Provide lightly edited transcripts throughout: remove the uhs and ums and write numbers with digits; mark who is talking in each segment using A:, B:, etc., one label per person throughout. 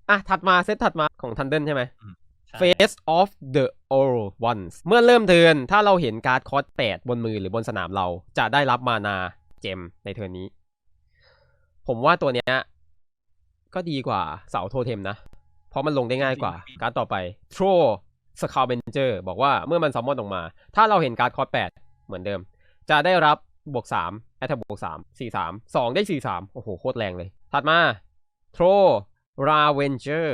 A: ถัดมาเซตถัดมาของ Thunder ใช่ไหม
B: ใช่
A: Face of the Old Ones เมื่อเริ่มเทิร์นถ้าเราเห็นการ์ดคอส8บนมือหรือบนสนามเราจะได้รับมานาเจมในเทิร์นนี้ผมว่าตัวเนี้ยก็ดีกว่าเสาโทเทมนะเพราะมันลงได้ง่ายกว่าการ์ดต่อไป Throw Scavenger บอกว่าเมื่อมันซัมมอนออกมาถ้าเราเห็นการ์ดคอส8เหมือนเดิมจะได้รับบวก3 Attack บวก3 4-3 2ได้4-3โอ้โหโคตรแรงเลยถัดมา Throw Ravenger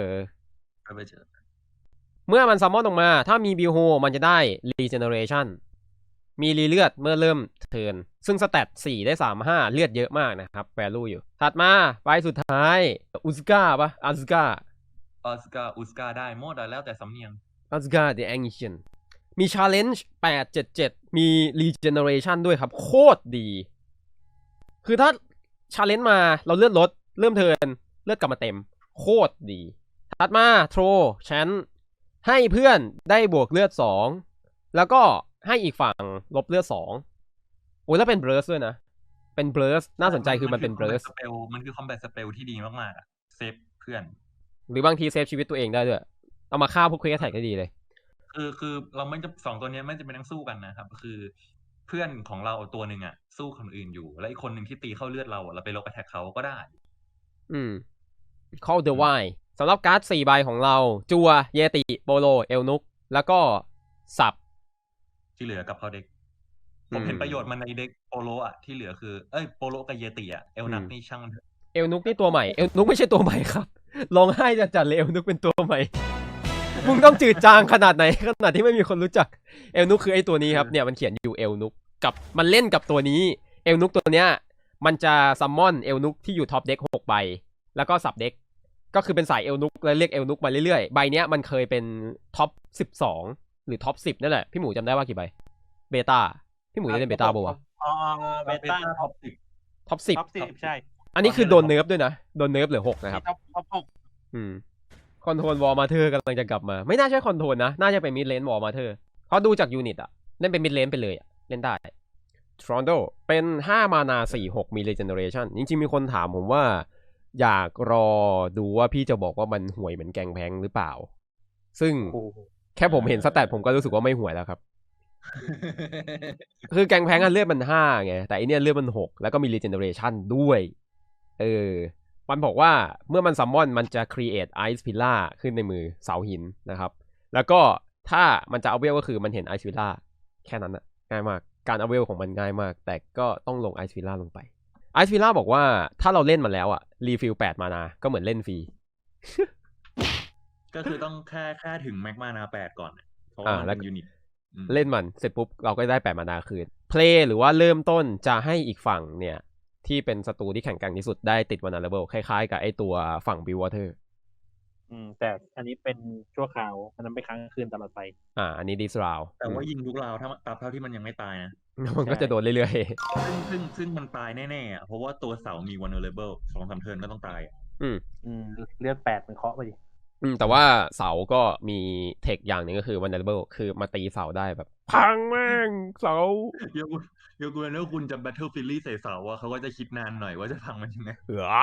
A: เมื่อมันซัมมอนออกมาถ้ามีบิวโฮมันจะได้ Regeneration มีรีเลือดเมื่อเริ่มเทิร์นซึ่งสแตท4ได้35เลือดเยอะมากนะครับแวลูอยู่ถัดมาไปสุดท้ายอุสกาปะอัสกา
B: อุสกาได้หมดแล้วแต่สำเนียง
A: อัสกา The Ancient มี Challenge 877มี Regeneration ด้วยครับโคตรดีคือถ้า Challenge มาเราเลือดลดเริ่มเทิร์นเลือดกลับมาเต็มโคตรดีถัดมาโทรชั้นให้เพื่อนได้บวกเลือด2แล้วก็ให้อีกฝั่งลบเลือด2โอ้ยแล้วเป็นเบรสด้วยนะเป็นเบรสน่าสนใจคือมันเป็นเบรส
B: มันคือคอมแบทสเปลที่ดีมากๆเซฟเพื่อน
A: หรือบางทีเซฟชีวิตตัวเองได้ด้วยเอามาฆ่าพวกเควสแท็กได้ดีเลย
B: คือเราไม่จะ2ตัวนี้ไม่จะเป็นทั้งสู้กันนะครับคือเพื่อนของเราตัวหนึ่งอ่ะสู้คนอื่นอยู่และอีกคนหนึ่งที่ตีเข้าเลือดเราเราไปลบแท็กเขาก็ได้
A: Call the Wild สำหรับการ์ด4ใบของเราจัวเยติโปโลเอลนุกแล้วก็สับ
B: ที่เหลือกับเขาเด็กผมเห็นประโยชน์มันในเด็กโปโลอ่ะที่เหลือคือโปโลกับเยติอ่ะเอลนักนี่ช่างมันเถอะ
A: เอลนุกนี่ตัวใหม่เอลนุกไม่ใช่ตัวใหม่ครับลองให้จัดเลยเอลนุกเป็นตัวใหม่มึงต้องจืดจางขนาดไหนขนาดที่ไม่มีคนรู้จักเอลนุกคือไอ้ตัวนี้ครับเนี่ยมันเขียนอยู่เอลนุกกับมันเล่นกับตัวนี้เอลนุกตัวเนี้ยมันจะซัมมอนเอลนุกที่อยู่ท็อปเด็ก6ใบแล้วก็สับเด็กก็คือเป็นสายเอลนุกแล้วเรียกเอลนุกมาเรื่อยๆใบเนี้ยมันเคยเป็นท็อป12หรือท็อป10นั่นแหละพี่หมูจำได้ว่ากี่ใบเบต้าพี่หมูได้เล่นเบต้าป่าวะ
C: เบต้า
B: ท็อป
A: 10
C: ท็อป10ใช่
A: อันนี้คือโดนเนิร์ฟด้วยนะโดนเนิร์ฟเหลือ6นะครับ
C: ท็อป
A: คอนโทรลวอลมาเธอร์กำลังจะกลับมาไม่น่าใช่คอนโทรลนะน่าจะเป็นมิดเลนวอลมาเธอร์เพราะดูจากยูนิตอะเล่นเป็นมิดเลนไปเลยอะเล่นได้ทรอนโดเป็น5มานา4-6มี regeneration จริงๆมีคนถามผมว่าอยากรอดูว่าพี่จะบอกว่ามันห่วยเหมือนแกงแพงหรือเปล่าซึ่งแค่ผมเห็นสแตทผมก็รู้สึกว่าไม่ห่วยแล้วครับคือแกงแพงเลือดมัน5ไงแต่อันเนี้ยเลือดมัน6แล้วก็มี regeneration ด้วยมันบอกว่าเมื่อมันซัมมอนมันจะ create ice pillar ขึ้นในมือเสาหินนะครับแล้วก็ถ้ามันจะเอาเวลก็คือมันเห็น ice pillar แค่นั้นนะง่ายมากการเอาเวลของมันง่ายมากแต่ก็ต้องลง ice pillar ลงไป ice pillar บอกว่าถ้าเราเล่นมาแล้วอะรีฟิล8มานาก็เหมือนเล่นฟรี
B: ก็คือต้องแค่ถึงแม็กมานา8ก่อนเพราะว่ามันเป็นยูนิต
A: เล่นมันเสร็จปุ๊บเราก็ได้8มานาคืนเพลย์หรือว่าเริ่มต้นจะให้อีกฝั่งเนี่ยที่เป็นศัตรูที่แข็งแกร่งที่สุดได้ติดวันนาเลเวลคล้ายๆกับไอตัวฝั่งบิววอเตอร์
C: แต่อันนี้เป็นชั่วคราวอันนั้นไปค้างคืนตลอดไป
A: อันนี้ดิสราว
B: แต่ว่ายิงทุกราวถ้าตราบเท่าที่มันยังไม่ตายนะ
A: มันก็จะโดนเรื่อย
B: ๆซึ่งมันตายแน่ๆเพราะว่าตัวเสามีวันนาเลเวล2-3 เทิร์นก็ต้องตาย
C: เลือด8มันเคาะไปดิ
A: แต่ว่าเสาก็มีเทคอย่างหนึ่งก็คือวันนาเลเวลคือมาตีเสาได้แบบพังแม่งเสา
B: เดี๋ยวกูแล้วคุณจะแบทเทิลฟิลลี่ใส่เสาอะเขาก็จะคิดนานหน่อยว่าจะพังมันยังไง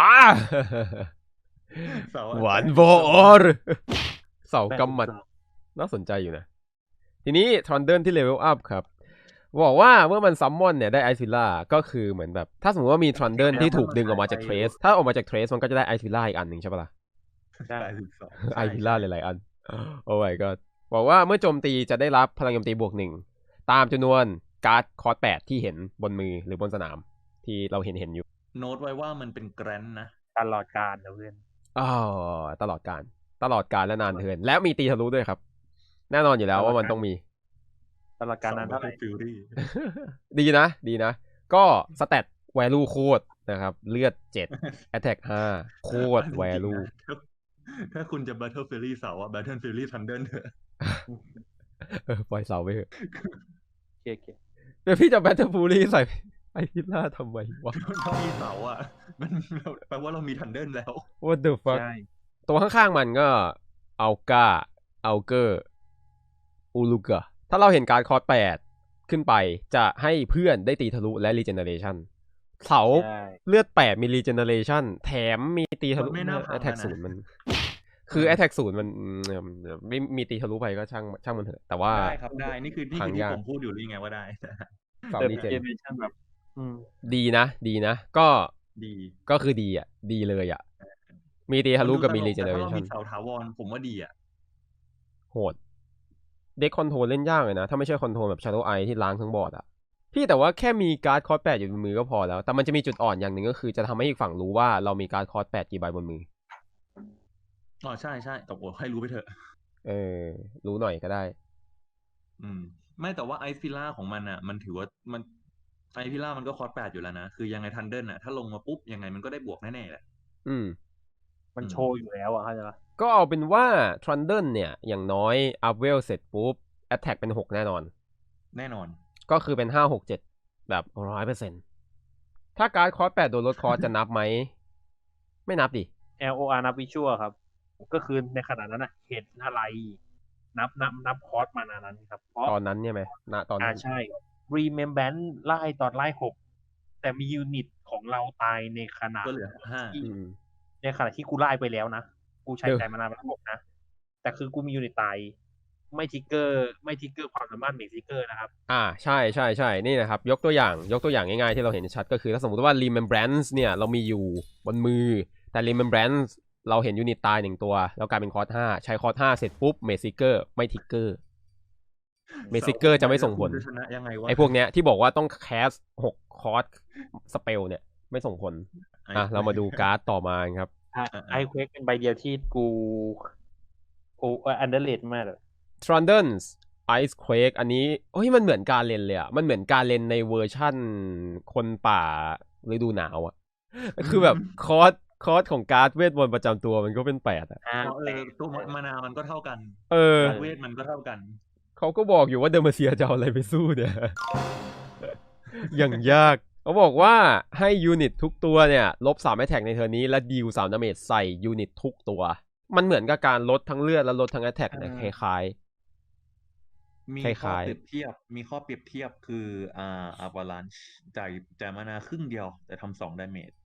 A: หวานบอร์เสากำมัดน่าสนใจอยู่นะทีนี้ทรอนเดิร์นที่เลเวลอัพครับบอกว่าเมื่อมันซัมมอนเนี่ยได้ไอซิล่าก็คือเหมือนแบบถ้าสมมติว่ามีทรอนเดิร์นที่ถูกดึงออกมาจากเทรสถ้าออกมาจากเทรสมันก็จะได้ไอซิล่าอีกอันหนึ่งใช่ปะล่ะ
C: ใช่
A: ไอซิล่าหลายๆอันโอ้ยก็บอกว่าเมื่อโจมตีจะได้รับพลังโจมตี+1ตามจำนวนการ์ดคอร์ส8ที่เห็นบนมือหรือบนสนามที่เราเห็นอยู่
B: โน้ตไว้ว่ามันเป็นแกรนนะ
C: ตลอดการนะเพื่อน
A: ตลอดการและนานเทินแล้วมีตีทะลุด้วยครับแน่นอนอยู่แล้วว่ามันต้องมี
C: ตลอดการนั้นเท่าไหร่
A: ดีนะก็สแตทแวลูโคตรนะครับเลือด7 attack 5โคตรแวลู
B: ถ้าคุณจะ Battle Fury เสาอะ Battle Fury Thunder เถอะ
A: ปล่อยเสาไปเถอะ
C: โอเค
A: เดี๋ยวพี่จะ Battle Fury ใส่ไอพิล่าทำไมวะ
B: ถ้ามีเสาอะมันแปลว่าเรามี Thunder แล้ว
A: What the fuck ตัวข้างๆมันก็อัลกาอัลเกอร์อูลูกะถ้าเราเห็นการคอร์ส8ขึ้นไปจะให้เพื่อนได้ตีทะลุและ regeneration เสาเลือด8มี regeneration แถมมีตีทะลุ
B: แอทแทก
A: 0มันคือ Attack 0มันไม่มีตีทะลุไปก็ช่างมันเถอะแต่ว่า
B: ได้ครับได้นี่คือ
A: พัง
B: ที่
A: ยาก
B: ผมพูดอยู่หรือไงว่าได้
A: สาม
C: แต่
A: รีเจน
C: เจเนอเรชั่นแบบ
A: ดีนะก็
B: ดี
A: ก็คือดีอ่ะดีเลยอ่ะมีตีทะลุกับมีรีเจ
B: แต่
A: เนอ
B: ถ้า
A: เร
B: เรา
A: ชั่
B: มี
A: น
B: เสาถาวรผมว่าดีอ่ะ
A: โหดเด็กคอนโทรลเล่นยากเลยนะถ้าไม่ใช่คอนโทรลแบบ Shadow Eye ที่ล้างทั้งบอร์ดอ่ะพี่แต่ว่าแค่มีการ์ดคอร์ส8อยู่บนมือก็พอแล้วแต่มันจะมีจุดอ่อนอย่างหนึ่งก็คือจะทำให้อีกฝั่งรู้ว่าเรามีการ์ดคอร์ส8กี่ใบบนมือ
B: อ๋อใช่แต่โอ้ให้รู้ไปเถอะ
A: รู้หน่อยก็ได้
B: ไม่แต่ว่าไอฟิล่าของมันอ่ะ มันถือว่ามันไอฟิล่ามันก็คอร์ส8อยู่แล้วนะ คือยังไงทันเดิลอ่ะ ถ้าลงมาปุ๊บยังไงมันก็ได้บวกแน่ๆแหละ
C: มันโชว์อยู่แล้วอะเข้าใจปะ
A: ก็เอาเป็นว่า Trundle เนี่ยอย่างน้อยอัพเวลเสร็จปุ๊บ Attack เป็น6แน่นอน
B: แน่นอน
A: ก็คือเป็น5 6 7แบบ 100%ถ้าการ์ดคอร์ส8โดนลดคอร์สจะนับไหม ไม่นับดิ
C: LOR นับวิชวลครับ ก็คือในขณะนั้นอะเห็นอะไร นับคอร์สมานานั้นครับเพราะ
A: ตอนนั้นเนี่ยไหมณตอนนั้น
C: ใช่ Remembrance ไล่ตอนไล่6แต่มียูนิตของเราตายในขณะ
B: ก็เหลือ5
C: ที่
A: อืม
C: ในขณะที่กูไล่ไปแล้วนะ กูใช้
A: เออ
C: ใจมานานเป็น6นะ แต่คือกูมียูนิตตายไม่ทิกเกอร์ความสามารถเมกทิกเกอร์นะครับ
A: ใช่นี่นะครับยกตัวอย่างง่ายๆที่เราเห็นชัดก็คือถ้าสมมติว่า Remembrance เนี่ยเรามีอยู่บนมือแต่ Remembrance เราเห็นยูนิตตาย1ตัวแล้วกลายเป็นคอร์ส5ใช้คอร์ส5เสร็จปุ๊บเมซิเกอร์ไม่ทิกเกอร์เมซิเกอร์จะไม่ส่งผล
B: จะชนะยังไงวะ
A: ไอ้พวกเนี้ยที่บอกว่าต้องแคส6คอร์สสเปลเนี่ยไม่ส่งผลเรามาดูการ์ดต่อมาครับ
C: ไอเควกเป็นใบเดียวที่กูอันเดอร์เลดมากเลย
A: Trundles Ice Quake อันนี้มันเหมือนการเล่นเลยอ่ะมันเหมือนการเล่นในเวอร์ชั่นคนป่าฤดูหนาวอ่ะคือแบบคอร์สของการ์ดเวทมนต์ประจำตัวมันก็เป็น8อ่ะ
B: ตัวมานามันก็เท่ากัน เวทมันก็เท่ากัน
A: เขาก็บอกอยู่ว่าเดอร์มาเซียจะเอาอะไรไปสู้เนี่ย อย่างยากเขาบอกว่าให้ยูนิตทุกตัวเนี่ยลบ3 Attack ในเทอร์นี้และดีล3 ดาเมจใส่ยูนิตทุกตัวมันเหมือนกับการลดทั้งเลือดและลดทั้ง Attack เนี่ยคล้าย
B: มีข้อเปรียบเทียบคือAvalanche จ่ายมานาครึ่งเดียวแต่ทำ2 ดาเมจ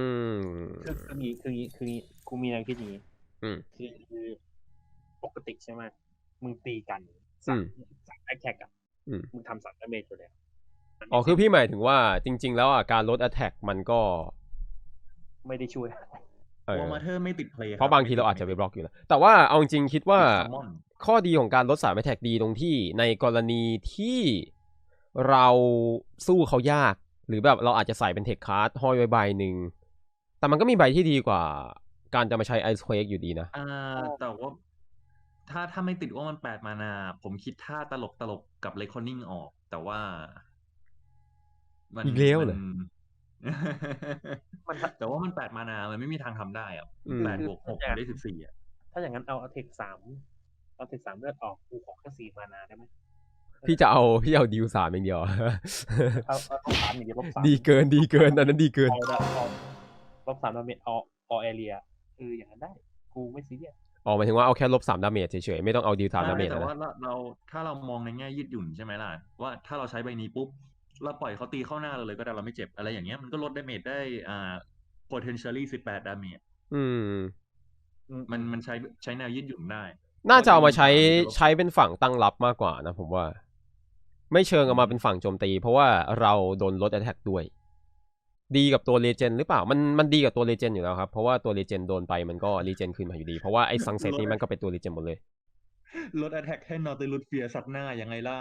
C: คือกูมีแนวคิดอย่างนี้ คือปกติใช่ไหมมึงตีกัน3 attack อ่ะมึงทำ3 ดาเมจอยู่แล้ว
A: คือพี่หมายถึงว่าจริงๆแล้วการลด Attack มันก็
C: ไม่ได้ช่วย
B: วอร์มาเธอร์ไม่ติดเพลย์
A: เพราะบางทีเราอาจจะไปบล็อกอยู่แล้วแต่ว่าเอาจริงๆคิดว่าข้อดีของการลด3 Attack ดีตรงที่ในกรณีที่เราสู้เขายากหรือแบบเราอาจจะใส่เป็นเทคคาร์ดห้อยไว้ใบหนึ่งแต่มันก็มีใบที่ดีกว่าการจะมาใช้ Ice Quake อยู่ดีนะ
B: แต่ว่าถ้าไม่ติดว่ามัน8 มานาผมคิดท่าตลกกับ Reckoning ออกแต่ว่า
A: อีกแล้วเหรอ
B: แต่ว่ามัน8 มานามันไม่มีทางทำได้อ่ะ8 บวก 6ได้14อ่ะ
C: ถ้าอย่างนั้นเอาเทค3เลือดออกกูขอแค่4 มานาได้ไหม
A: พี่จะเอาดีล3อย่างเดียว
C: เอา3อย่างเดียวลบ3
A: ดีเกินอันนั้นดีเกิน
C: ลบ3 ดาเมจอแอเรียอย่างนั้นได้กูไม่ซีเรียส
A: หมายถึงว่าเอาแค่ลบ3 ดาเมจเฉยๆไม่ต้องเอาดีล3 ดาเมจ
B: แต่ว่าถ้าเรามองในแง่ยืดหยุ่นใช่ไหมล่ะว่าถ้าเราใช้ใบนี้ปุ๊บเราปล่อยเขาตีเข้าหน้าเราเลยก็ได้เราไม่เจ็บอะไรอย่างเงี้ยมันก็ลดดาเมจได้potentially 18 ดาเมจมันใช้แนวยืดหยุ่นได้
A: น่าจะเอามาใช้เป็นฝั่งตั้งรับมากกว่านะผมว่าไม่เชิงเอามาเป็นฝั่งโจมตีเพราะว่าเราโดนลด attack ด้วยดีกับตัวเลเจนด์หรือเปล่ามันดีกับตัวเลเจนด์อยู่แล้วครับเพราะว่าตัวเลเจนด์โดนไปมันก็รีเจนคืนมาอยู่ดีเพราะว่าไอ้ซังเซ็ตนี้มันก็เป็นตัวเลเจนด์หมดเลย
B: ลด attack ให้นอติลุสเฟียร์ซัดหน้ายังไงล่ะ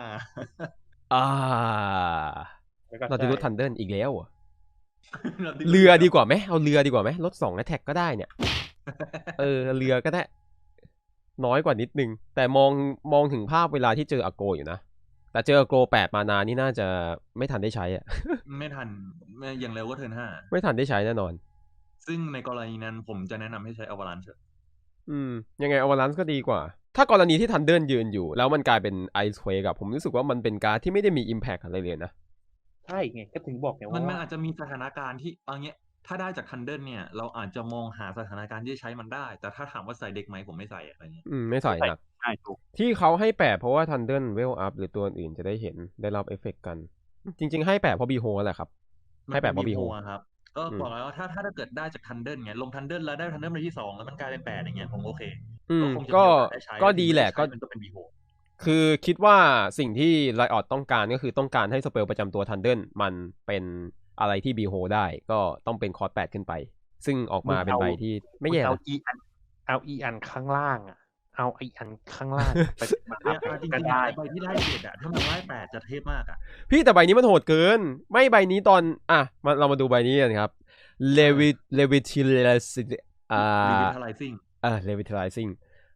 A: นอติลุสทันเดิลอีกแล้วเรือดีกว่าไหมเอาเรือดีกว่าไหมลด2 attack ก็ได้เนี่ยเรือก็ได้น้อยกว่านิดนึงแต่มองถึงภาพเวลาที่เจออโกอยู่นะแต่เจออโก8 มานานี่น่าจะไม่ทันได้ใช้อ่ะ
B: ไม่ทันอย่างเร็วก็เทิร์น5
A: ไม่ทันได้ใช้แน่นอน
B: ซึ่งในกรณีนั้นผมจะแนะนำให้ใช้ Avalanche
A: ยังไง Avalanche ก็ดีกว่าถ้ากรณีที่ทันเดิลยืนอยู่แล้วมันกลายเป็น Ice Quake ผมรู้สึกว่ามันเป็นการที่ไม่ได้มี impact อะไรเลยนะ
C: ใช่ไงก็ถึงบอกไงว่า
B: มันอาจจะมีสถานการณ์ที่เอาเงี้ยถ้าได้จากทันเดิลเนี่ยเราอาจจะมองหาสถานการณ์ที่ใช้มันได้แต่ถ้าถามว่าใส่เด็กไหมผมไม่ใส่อะไรเงี้ย
A: ไม่ใส่หนัก
C: ใช่ถูก
A: ที่เขาให้แปะเพราะว่าทันเดิลเวลอัพหรือตัวอื่นจะได้เห็นได้รับเอฟเฟกต์กันจริงๆให้แปะเพราะบีโฮแหละครับให้แปะเพราะบีโฮ
B: ครับก็บอกแล้วว่าถ้าเกิดได้จากทันเดิลไงลงทันเดิลแล้วได้ทันเดิลในที่2แล้วมันกลายเป็น8อย่างเงี้ยผมโอเคก็คงจะมีโอกาสได้ใช้
A: ก็ดีแหละก็
B: มันก็เป็นบีโฮ
A: คือคิดว่าสิ่งที่ไลออดต้องการก็คือต้องการให้สเปลประจำตัวทันเดิลมันเป็นอะไรที่บีโฮได้ก็ต้องเป็นคอร์ส8ขึ้นไปซึ่งออกมาเป็นใบที่ไม่แย่นะ
C: เอาอีอันข้างล่างอ่ะเอาอีอันข้างล่างไปมา
B: จริงๆใบที่ไล่7อ่ะถ้ามันไล่8จะเทพมากอ่ะ
A: พี่แต่ใบนี้มันโหดเกินไม่ใบนี้ตอนเรามาดูใบนี้กันครับLevitalizing Levitalizing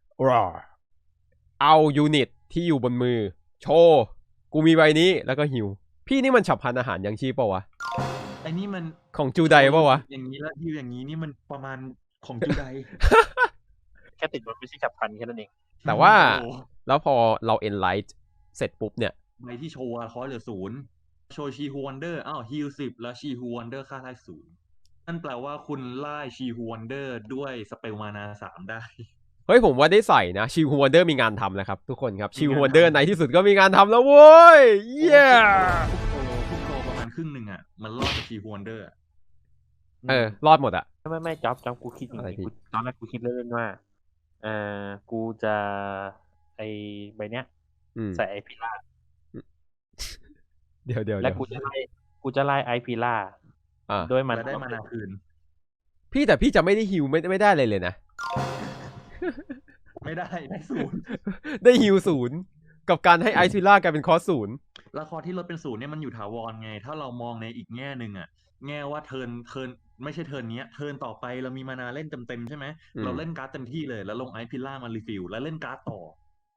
A: เอายูนิตที่อยู่บนมือโชว์กูมีใบนี้แล้วก็หิวพี่นี่มันฉับพลันอาหารยังชีพเปล่าวะ
B: ไอ้นี่มัน
A: ของจูไดเปล่าวะ
B: อย่างนี้แล้วฮิวอย่างนี้นี่มันประมาณของจูได
C: แค่ติดบนไม่ใช่ฉับพลันแค่นั้นเอง
A: แต่ว่าแล้วพอเราเอ็นไลท์เสร็จปุ๊บเนี่ย
B: ใบที่โชว์คอเหลือ0โชว์ชีฮูวันเดอร์ฮิล10แล้วชีฮูวันเดอร์ค่าไล่0นั่นแปลว่าคุณไล่ชีฮูวันเดอร์ด้วยสเปลมานา3ได้
A: เฮ้ยผมว่าได้ใส่นะชิวฮูวันเดอร์มีงานทำแล้วครับทุกคนครับชิวฮูวันเดอร์ในที่สุดก็มีงานทำแล้วโว้ยเย้
B: ทุกโตประมาณครึ่งหนึ่งอ่ะมันรอดจากชิวฮูวันเดอร์
A: รอดหมดอ่ะ
C: ไม่จ๊อบกูคิดจริงๆตอนแรกกูคิดเล่นๆว่ากูจะไอใบเนี้ยใส่ไอพิล่า
A: เดี๋ยว
C: แล้วกูจะไล่ไอพิล่าโดยมัน
B: ได้มานาคืน
A: พี่แต่พี่จะไม่ได้ฮิวไม่ได้เลยนะ
B: ไม่ได้
A: 0ได้ฮิว0กับการให้ไอซิล่ากลายเป็นคอร์ส0
B: แล้วคอที่ลดเป็น0เนี่ยมันอยู่ถาวรไงถ้าเรามองในอีกแง่หนึ่งอ่ะแง่ว่าเทิร์นไม่ใช่เทิร์นนี้เทิร์นต่อไปเรามีมานาเล่นเต็มใช่ไหมเราเล่นการ์ดเต็มที่เลยแล้วลงไอพิล่ามารีฟิลแล้วเล่นการ์ดต่อ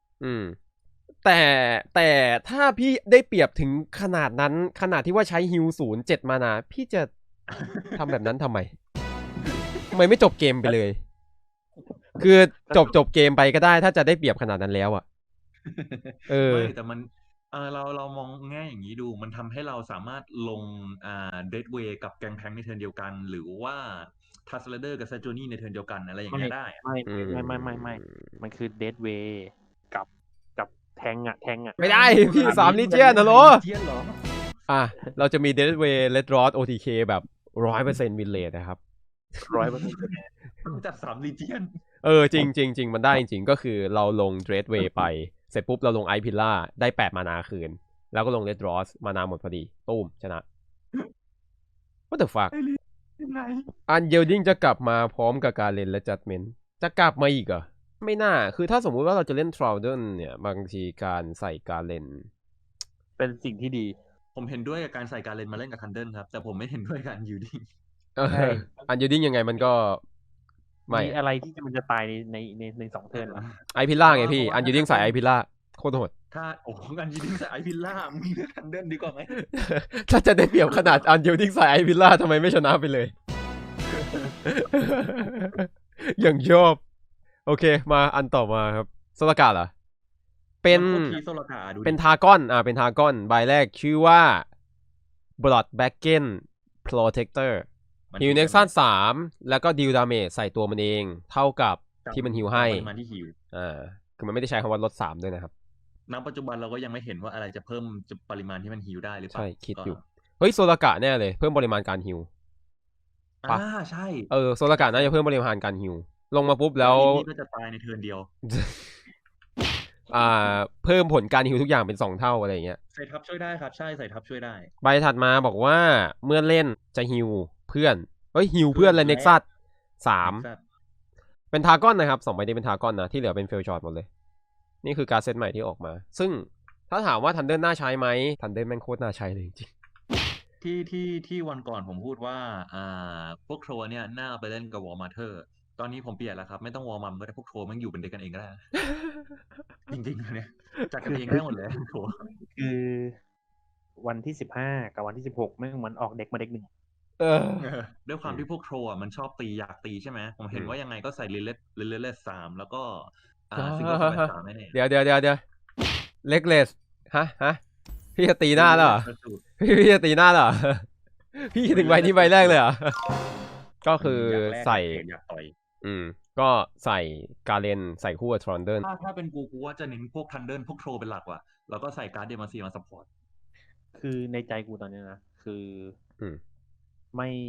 A: แต่ถ้าพี่ได้เปรียบถึงขนาดนั้นขนาดที่ว่าใช้ฮิว7 มานาพี่จะทำแบบนั้นทำไมไม่จบเกมไปเลยคือจบเกมไปก็ได้ถ้าจะได้เปรียบขนาดนั้นแล้วอ่ะ
B: ไม่แต่มันเรามองแง่อย่างนี้ดูมันทำให้เราสามารถลงเดดเวย์กับแกงแพงในเทิร์นเดียวกันหรือว่าทัสเลเดอร์กับซาโจนี่ในเทิร์นเดียวกันอะไรอย่างเงี้ยได้
C: ไม่มันคือเดดเวย์กับแทงอ่ะ
A: ไม่ได้พี่3 ลีเจียนเหรอเราจะมีเดดเวย์เลดรอส OTK แบบ 100% วินเลทนะครับ
B: 100%จัด3 ลีเจียน
A: จริงมันได้จริงก็คือเราลงเดรดเวย์ไปเสร็จปุ๊บเราลงไอพิล่าได้8 มานาคืนแล้วก็ลงเลดรอสมานาหมดพอดีตุ้มชนะ What the fuck อันเยลดิ้งจะกลับมาพร้อมกับการเล่นและจัดเมนจะกลับมาอีกเหรอไม่น่าคือถ้าสมมุติว่าเราจะเล่นทราลเดนเนี่ยบางทีการใส่การเล่น
C: เป็นสิ่งที่ดี
B: ผมเห็นด้วยกับการใส่การเล่นมาเล่นกับทันเดิลครับแต่ผมไม่เห็นด้วยกับอันยูดิ้ง
A: อันยูดิ้งยังไงมันก็
C: มีอะไรที่มันจะตายใน2 เทิร์น
A: ไอพิล่าไงพี่อันยูดิ้งใส่ไอพิล่าโคตรโหด
B: ถ้าอันยูดิ้งใส่ไอพิล่ามึงเลือกทันเดิลดีกว่าไหม
A: ถ้าจะได้เปรียบขนาดอันยูดิ้งใส่ไอพิล่าทำไมไม่ชนะไปเลยอย่างชอบโอเคมาอันต่อมาครับโซลากาเหรอเป็นทากอนเป็นทากอนใบแรกชื่อว่า Bloodbacken Protector ฮิวเน็กซัน3แล้วก็ดิวดาเมจใส่ตัวมันเองเท่ากับที่มันฮิวให้คือมันไม่ได้ใช้คำว่าลด3ด้วยนะครับ
B: ณปัจจุบันเราก็ยังไม่เห็นว่าอะไรจะเพิ่มปริมาณที่มันฮิวได้หรือเปล่า
A: ใช่คิดอยู่เฮ้ยโซลากะแน่เลยเพิ่มปริมาณการฮิว
B: ใช่
A: โซลากะน่าจะเพิ่มปริมาณการฮิวลงมาปุ๊บแล้ว
B: ก็จะตายในเทิร์นเดียว
A: เพิ่มผลการฮิวทุกอย่างเป็น2 เท่าอะไรอย่างเงี้ย
B: ใส่ทับช่วยได้ครับใช่ใส่ทับช่วยได้
A: ใบถัดมาบอกว่าเมื่อเล่นจะฮิวเพื่อนฮิวเพื่อนเลยเน็กซัส3เป็นทากอนนะครับ2 ใบนี้เป็นทากอนนะที่เหลือเป็นเฟลช็อตหมดเลยนี่คือการเซตใหม่ที่ออกมาซึ่งถ้าถามว่าทันเดิลน่าใช้ไหมทันเดิลแม่งโคตรน่าใช้เลยจริง
B: ที่วันก่อนผมพูดว่าพวกโทรเนี่ยน่าไปเล่นกับวอร์มาเธอร์ตอนนี้ผมเปลี่ยนแล้วครับไม่ต้องวอร์มัมก็ได้พวกโทรมันอยู่เป็นเด็กกันเองก็ได้จริงๆเนี่ยจัดกันเองได้หมดเลยโทร
C: คือวันที่15กับวันที่16แม่งมันออกเด็กมาเด็ก1
B: ด้วยความที่พวกโทรมันชอบตีอยากตีใช่ไหมผมเห็นว่ายังไงก็ใส่เลส3แล้วก็ซิงเกิล3แน่
A: เดี๋ยวเล็กเลสฮะพี่จะตีหน้าแล้วเหรอพี่จะตีหน้าเหรอพี่ถึงใบนี้ใบแรกเลยเหรอก็คือใส่ก็ใส่การเลนใส่คู่กับทรอนเดิล
B: ถ้าเป็นกูว่าจะเน้นพวกทันเดิลพวกโทรเป็นหลักว่ะแล้วก็ใส่การ์ดเดมาซีมาซัพพอร์ต
C: คือในใจกูตอนนี้นะคือไม่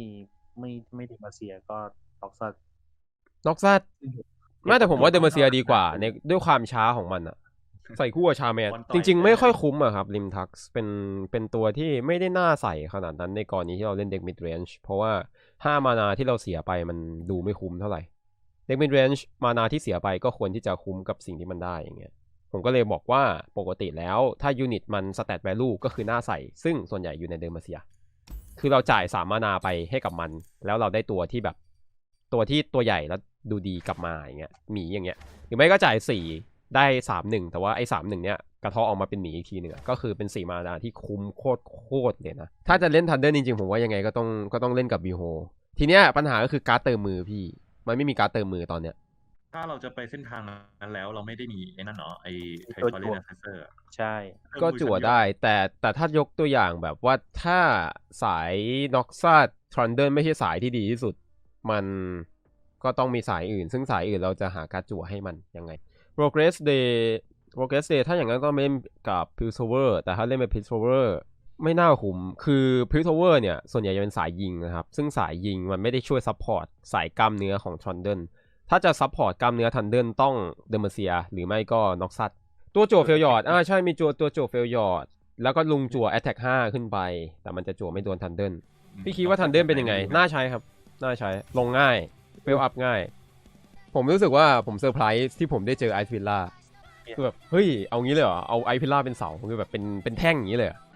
C: ไม่เดมาเซียก็ล็อกซัส
A: น็อกซัสไม่แต่ผมว่าเดอร์เมเซียดีกว่าในด้วยความช้าของมันอะใส่คู่กับชาแมนจริงๆไม่ค่อยคุ้มอะครับริมทักซ์เป็นตัวที่ไม่ได้น่าใส่ขนาดนั้นในกรณีที่เราเล่นเด็กมิดเรนจ์เพราะว่า5มานาที่เราเสียไปมันดูไม่คุ้มเท่าไหร่เด็กมิดเรนจ์มานาที่เสียไปก็ควรที่จะคุ้มกับสิ่งที่มันได้อย่างเงี้ยผมก็เลยบอกว่าปกติแล้วถ้ายูนิตมันสแตทแวลูก็คือน่าใส่ซึ่งส่วนใหญ่อยู่ในเดอร์เมเซียคือเราจ่าย3มานาไปให้กับมันแล้วเราได้ตัวที่แบบตัวที่ตัวใหญ่แล้วดูดีกลับมาอย่างเงี้ยหมีอย่างเงี้ยหรือไม่ก็จ่าย4ได้3-1แต่ว่าไอ้3-1เนี้ยกระเทาะออกมาเป็นหมีอีกทีหนึ่งก็คือเป็น4มานาที่คุ้มโคตรเลยนะถ้าจะเล่นทันเดอร์จริงๆผมว่ายังไงก็ต้องเล่นกับบีโฮทีเนี้ยปัญหาก็คือการ์ดเติมมือพี่มันไม่มีการ์ดเติมมือตอนเนี้ย
B: ถ้าเราจะไปเส้นทางนั้นแล้วเราไม่ได้มีไอ้นั่นเนาะไอ้ไท
C: ตัว
B: ทอเร
C: จั่
B: น
C: ว
B: แอสเซอร์
C: ใช่
A: ก็จั่วได้แต่ถ้ายกตัวอย่างแบบว่าถ้าสายน็อกซัสทรันเดิลไม่ใช่สายที่ดีที่สุดมันก็ต้องมีสายอื่นซึ่งสายอื่นเราจะหาการจั่วให้มันยังไง Progress Day ถ้าอย่างนั้นก็เล่นกับ Piltover แต่ถ้าเล่นเป็น Piltover ไม่น่าคุ้มคือ Piltover เนี่ยส่วนใหญ่จะเป็นสายยิงนะครับซึ่งสายยิงมันไม่ได้ช่วยซัพพอร์ตสายกล้ามเนื้อของทรันเดิลถ้าจะซัพพอร์ตกล้ามเนื้อทันเดิลต้องเดอร์เมเซียหรือไม่ก็น็อกซัสตัวจั่วเฟลยอร์ดใช่มีตัวจั่วเฟลยอร์ดแล้วก็ลุงจั่ว Attack 5 ขึ้นไปแต่มันจะจั่วไม่โดนทันเดิลพี่คิดว่าทันเดิลเป็นยังไงน่าใช้ครับน่าใช้ลงง่ายเฟลอัพง่ายผมรู้สึกว่าผมเซอร์ไพรส์ที่ผมได้เจอไอซ์วิลล่าคือแบบเฮ้ยเอางี้เลยเหรอเอาไอซ์วิลล่าเป็นเสาคือแบบเป็นแท่งอย่างนี้เลย